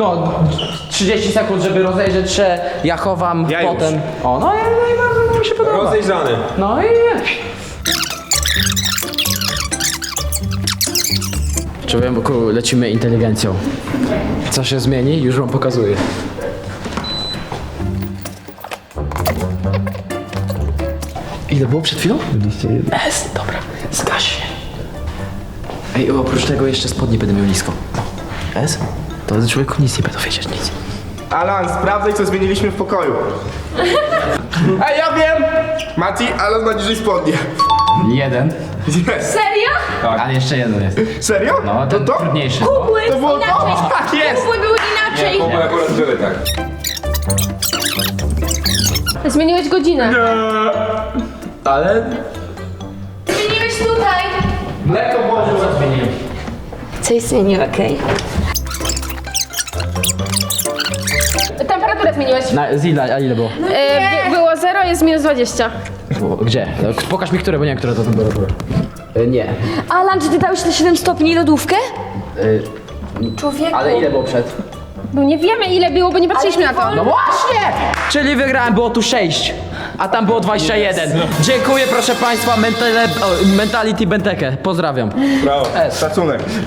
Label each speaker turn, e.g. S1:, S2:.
S1: No, 30 sekund, żeby rozejrzeć się, ja chowam,
S2: Ja
S1: potem...
S2: już.
S1: O, no i bardzo mi się podoba.
S2: Rozejrzany.
S1: No i... Człowieku, lecimy inteligencją. Co się zmieni? Już wam pokazuję. Ile było przed chwilą? 21. S, dobra, zgaś się. Ej, oprócz tego jeszcze spodnie będę miał nisko. S? To człowieku nic nie będą wiedzieć, nic.
S2: Alan, sprawdzaj, co zmieniliśmy w pokoju. Ej, ja wiem! Mati, Alan ma niżej spodnie.
S1: Jeden.
S2: Jest.
S3: Serio?
S1: Ale jeszcze jeden jest.
S2: Serio?
S1: No, ten
S2: to?
S1: trudniejszy.
S3: Kubły
S2: To było to?
S3: inaczej.
S2: Tak jest!
S3: Kubły były inaczej.
S4: Kubły akurat były tak.
S3: Zmieniłeś godzinę.
S1: Ale...
S3: Zmieniłeś tutaj.
S2: Lekko włożył.
S1: Co zmieniłem?
S3: Coś zmienił, okej. Temperaturę zmieniłeś.
S1: A ile było?
S3: Było 0, jest minus 20.
S1: Gdzie? No, pokaż mi które, bo nie wiem, która to temperatura. Nie.
S5: Alan, czy ty dałeś te 7 stopni lodówkę?
S3: Człowieku.
S1: Ale ile było przed?
S3: No nie wiemy ile było, bo nie patrzyliśmy na to.
S1: No właśnie! Czyli wygrałem, było tu 6, a tam było 21. Dziękuję, proszę państwa, Mentality Bentekę. Pozdrawiam.
S2: Brawo, szacunek.